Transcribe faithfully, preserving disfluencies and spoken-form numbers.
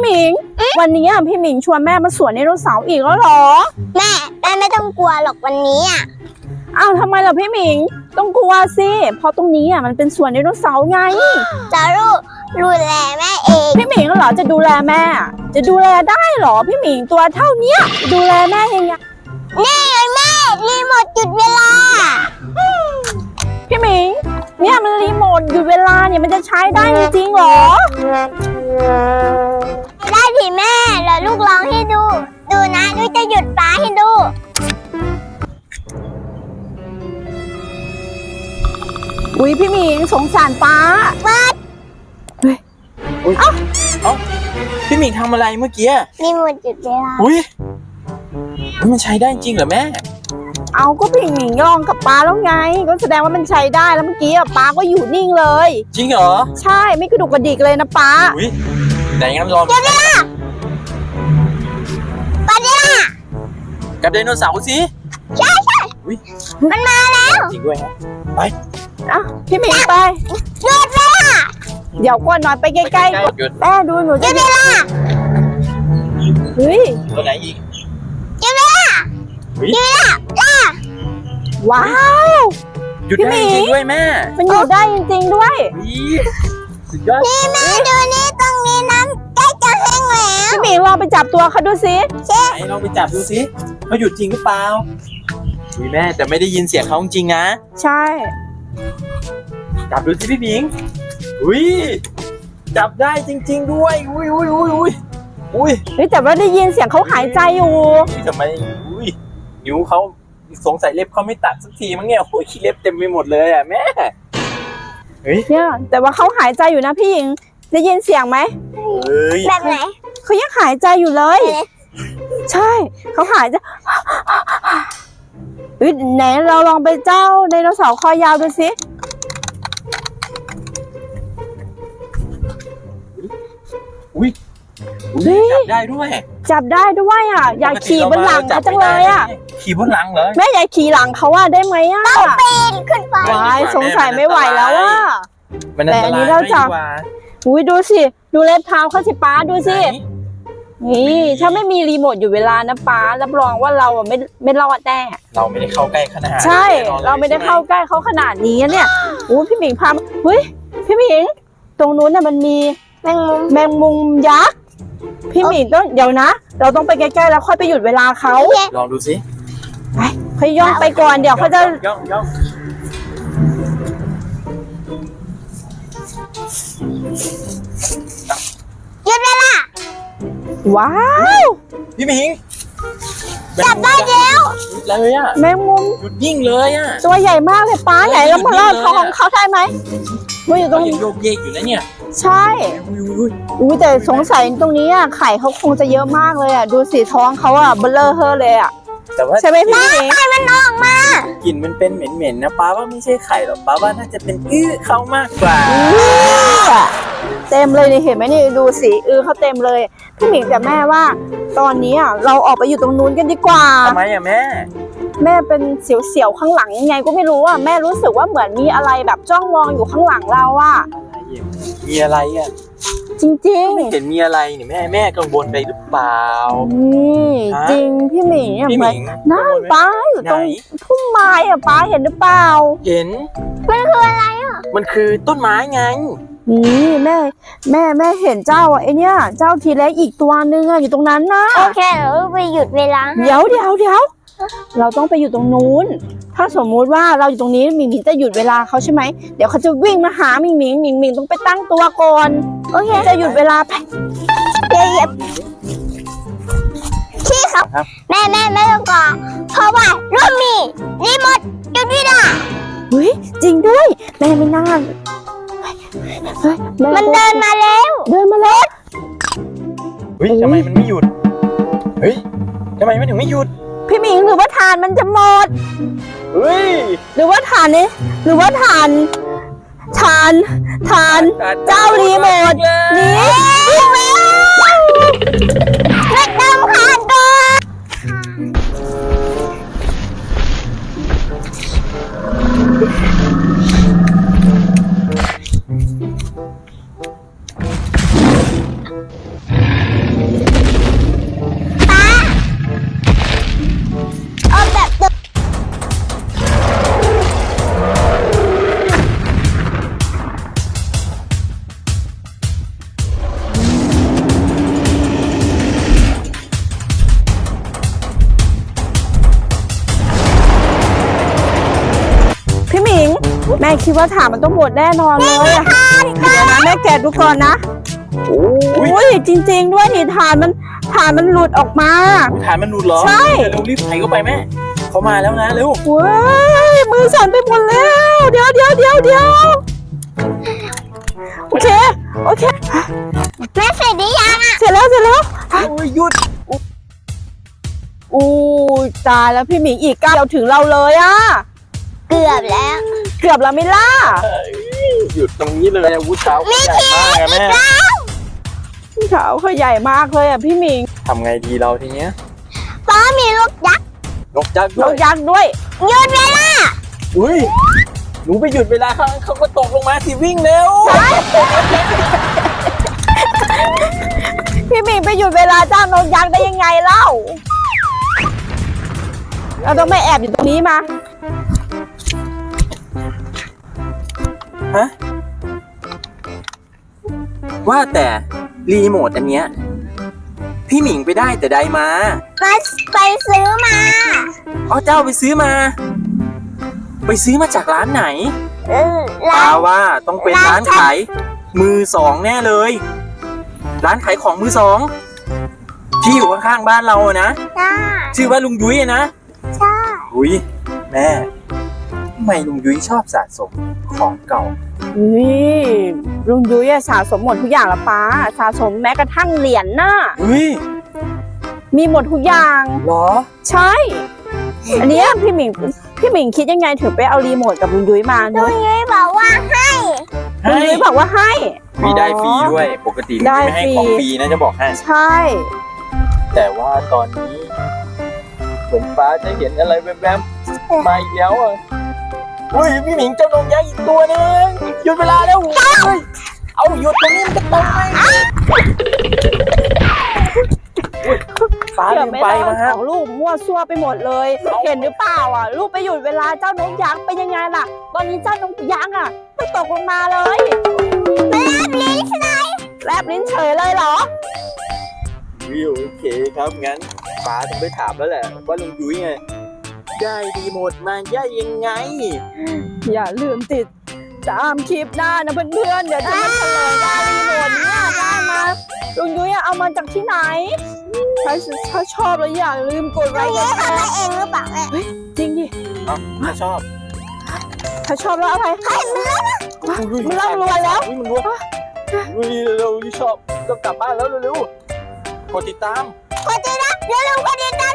หมิงวันนี้อ่ะพี่หมิงชวนแม่มาสวนไดโนเสาร์อีกแล้วหรอแม่แม่ไม่ต้องกลัวหรอกวันนี้อ่ะอ้าวทำไมล่ะพี่หมิงต้องกลัวสิเพราะตรงนี้อ่ะมันเป็นสวนไดโนเสาร์ไงจะรู้ดูแลแม่เองพี่หมิงเหรอจะดูแลแม่จะดูแลได้หรอพี่หมิงตัวเท่าเนี้ยดูแลแม่ยังไงนี่ไงแม่รีโมทหยุดเวลาพี่หมิงเนี่ยมันรีโมทหยุดเวลาเนี่ยมันจะใช้ได้จริงๆหรอได้ดิแม่แล้วลูกร้องให้ดูดูนะลูกจะหยุดฟ้าให้ดูอุ้ยพี่หมิงสงสารป้าวัดเฮ้ยเอ้าเอ้าพี่หมิงทำอะไรเมื่อกี้รีโมทหยุดเวลาอุ้ยมันใช้ได้จริงเหรอแม่เอาก็พี่หมิงลองกับป้าแล้วไงก็แสดงว่ามันใช้ได้แล้วเมื่อกี้ป้าก็อยู่นิ่งเลยจริงเหรอใช่ไม่กระดุกกระดิกเลยนะป้าอุ้ยไหนงั้นลองหยุดเวลาป้าเดียกับไดโนเสาร์สิใช่ใช่มันมาแล้วจริงด้วยฮะไปอ่ะพี่หมิงไปหยุดเวลาเดี๋ยวก่อนหน่อยไปใกล้ๆแม่ดูหนูจะหยุดเวลาเฮ้ยตัวไหนอีกหยุดเวลาหยุดเวลาว้าวหยุดได้จริงด้วยแม่มันหยุดได้จริงๆด้วยสุดยอดนี่แม่ดูนี่ตรงนี้น้ำใกล้จะแห้งแล้วพี่หมิงลองไปจับตัวเขาดูสิไหนลองไปจับดูสิเขาหยุดจริงหรือเปล่าอุ้ยแม่แต่ไม่ได้ยินเสียงเขาจริงนะใช่จับดูสิพี่หมิงอุ้ยจับได้จริงๆด้วยอุ้ยอุ้ยอุ้ยอุ้ยอุ้ยเฮ้ยแต่ว่าได้ยินเสียงเขาหายใจอยู่ทำไมอุ้ยนิ้วเขาสงสัยเล็บเขาไม่ตัดสักทีมั้งเนี่ยโอ้ยขี้เล็บเต็มไปหมดเลยอ่ะแม่เฮ้ยเนี่ยแต่ว่าเขาหายใจอยู่นะพี่หญิงได้ยินเสียงไหมแบบไหนเขายังหายใจอยู่เลยใช่เขาหายใจเฮ้ยไหนเราลองไปเจ้าไดโนเสาร์คอยาวดูสิอุ้ยจับได้ด้วยจับได้ด้วยอ่ะอยากขี่บนหลังเขาจังเลยอ่ะขี่บนหลังเหรอแม่อยากขี่หลังเขาว่าได้ไหมอ่ะต้องปีนขึ้นไปว้ายสงสัยไม่ไหวแล้วอ่ะแต่อันนี้เราจับอุ้ยดูสิดูเล็บเท้าเขาสิป้าดูสินี่ถ้าไม่มีรีโมทอยู่เวลานะป้ารับรองว่าเราไม่ไม่รอดแน่เราไม่ได้เข้าใกล้ขนาดใช่เราไม่ได้เข้าใกล้เขาขนาดนี้เนี่ยอู้พี่หมิงพาเฮ้ยพี่หมิงตรงนู้นน่ะมันมีแมงมุมแมงมุมยักษ์พี่หมิงต้องเดี๋ยวนะเราต้องไปใกล้ๆแล้วค่อยไปหยุดเวลาเขาลองดูสิไปเขาย่องไปก่อนเดี๋ยวเขาจะย่องย่องหยุดเวลาว้าวพี่หมิงจับได้แล้วเลยอ่ะแมงมุมหยุดยิ่งเลยอ่ะตัวใหญ่มากเลยป้าใหญ่แล้วมาลอดเขาของเขาได้ไหมมันอยู่ตรงโยกเยกอยู่นะเนี่ยใช่อุ้ยแต่สงสัยตรงนี้อ่ะไข่เขาคงจะเยอะมากเลยอ่ะดูสีท้องเขาอ่ะเบลอเฮอเลยอ่ะแต่ว่าใช่ไหมพี่ไข่มันออกมากลิ่นมันเป็นเหม็นๆนะป้าว่าไม่ใช่ไข่หรอกป้าว่าน่าจะเป็นอื้อเขามากกว่าเต็มเลยนี่เห็นไหมนี่ดูสีอื้อเขาเต็มเลยพี่หมิงแต่แม่ว่าตอนนี้อ่ะเราออกไปอยู่ตรงนู้นกันดีกว่าทำไมอ่ะแม่แม่เป็นเสียวๆข้างหลังยังไงก็ไม่รู้อ่ะแม่รู้สึกว่าเหมือนมีอะไรแบบจ้องมองอยู่ข้างหลังเราอ่ะมีอะไรอ่ะจริงๆไม่เห็นมีอะไรนี่แม่แม่กังวลไปหรือเปล่านี่จริงพี่หมิงพี่หมิงน้าป้าอยู่ตรงพุ่มไม้อ่ะป้าเห็นหรือเปล่าเห็นมันคืออะไรอ่ะมันคือต้นไม้ไงนี่แม่แม่แม่เห็นเจ้าอ่ะไอเนี้ยเจ้าทีเล็กอีกตัวนึงอ่ะอยู่ตรงนั้นนะโอเคเราไปหยุดเวลาเดี๋ยวเดี๋ยวเดี๋ยวเราต้องไปอยู่ตรงนู้นถ้าสมมุติว่าเราอยู่ตรงนี้หมิงหมิงจะหยุดเวลาเขาใช่ไหมเดี๋ยวเขาจะวิ่งมาหาหมิงหมิงหมิงหมิงต้องไปตั้งตัวก่อนโอเคจะหยุดเวลาไปเดี๋ยวพี่ครับแม่แม่ไม่ต้องกลัวเพราะว่ารุ่นมีรีโมทหยุดเวลาเฮ้ยจริงด้วยแม่ไม่น่ามันเดินมาแล้วเดินมาแล้วเฮ้ยทำไมมันไม่หยุดเฮ้ยทำไมมันถึงไม่หยุดพี่หมิงหรือว่าถ่านมันจะหมดเฮ้ยหรือว่าถ่านนี้หรือว่าถ่านถ่านถ่านเจ้ารีโมทนี่เล็กดำขาดตัวป้าเอาแบบเดิมพี่หมิง แม่คิดว่าถามมันต้องหมดแน่นอนเลยอะเดี๋ยวนะแม่แกะดูก่อนนะโอ้ยอุ้ยจริง ๆ ด้วยนี่ฐานมันฐานมันหลุดออกมาฐานมันหลุดเหรอใช่เร็วรีบใส่เข้าไปแม่เขามาแล้วนะเร็วเว้ยมือสั่นไปหมดแล้ว เดี๋ยวเดี๋ยวเดี๋ยวเดี๋ยวโอเคโอเคแม่เสร็จหรือยังอ่ะเสร็จแล้วเสร็จแล้วโอ้ยหยุดอู้ตายแล้วพี่หมิงอีกก้าวเดียวถึงเราเลยอะเกือบแล้วเกือบแล้วไม่ล่ะหยุดตรงนี้เลยอาวุธเท้าใหญ่มากอะแม่เขาเขาใหญ่มากเลยอะพี่หมิงทำไงดีเราทีเนี้ยป้ามีลูกยักษ์นกยักษ์นด้วกยยักษ์ด้วยหยุดเวลาอุ้ยหนูไปหยุดเวลาเขาเขาก็ตกลงมาสิวิ่งเร็วพี่หมิงไปหยุดเวลาจ้างนกยักษ์ได้ยังไงเล่า เราต้องไม่แอบอยู่ตรงนี้มาฮะว่าแต่รีโมทอันเนี้ยพี่หมิงไปได้แต่ใดมามาไปซื้อมาอ๋อเจ้าไปซื้อมา ไปซื้อมาจากร้านไหนเออปาร้านว่าต้องเป็นร้านขายมือสองแน่เลย ร้านขายของมือสองที่อยู่ข้างๆบ้านเราอะนะจ้าชื่อว่าลุงยุ้ยอะนะใช่อุ้ยแม่ทำไมลุงยุ้ยชอบสะสมของเก่านี่ลุงยุ้ยอะสะสมหมดทุกอย่างละป้าสะสมแม้กระทั่งเหรียญน่ะเฮ้ยมีหมดทุกอย่างเหรอใช่ อันเนี้ยพี่หมิงพี่หมิงคิดยังไงถึงไปเอารีโมทกับลุงยุ้ยมาลุเนาะงยุ้ยบอกว่าให้ลุงยุ้ยบอกว่าให้มีได้ฟรีด้วย ปกติลุงได้ยุ้ยไม่ให้ฟรีของฟรีนะจะบอกให้ใช่แต่ว่าตอนนี้เหมือนฟ้าจะเห็นอะไรแวบๆมาอีกแล้วอ่ะอุ้ยพี่หมิงเจ้านงยักษ์อีกตัวนึงหยุดเวลาแล้วเฮ้ยเอาหยุดตรงนี้มันจะตายอุ๊ยฟ้าเดี๋ลืยวมไม่ไปได้นะฮะของลูกมั่วซั่วไปหมดเลย เห็นหรือเปล่าอ่ะ ลูกไปหยุดเวลาเจ้านกยักษ์เป็นยังไงล่ะ ตอนนี้เจ้านกยักษ์อ่ะมันตกลงมาเลยมารับลิ้นใช่ไหมแลบลิ้นเฉยเลยเหรอวิวโอเคครับงั้นฟ้าต้องไปถามแล้วแหละว่าลุงยุ้ยไงได้รีโมทมาได้ยังไงอย่าลืมติดตามคลิปหน้านะเพื่อนๆ เดี๋ยวจะมาเฉลยว่ารีโมทเนี่ยได้มาลุงยุ้ยอะเอามาจากที่ไหน ถ้าถ้าชอบแล้วอย่าลืมกดไลลุงค์กยุ้ยดแชทำมาร์เองหรือเปล่าแม่จริงดิเอ้าถ้าชอบถ้าชอบแล้วอะไรให้มันแล้วนะมันร่ำรวยแล้วอุ๊ยมันรวยอุ้ยเร็วๆชอบต้องกลับบ้านแล้วเร็วๆกดติดตามกดติดตามอย่าลืมกดติดตาม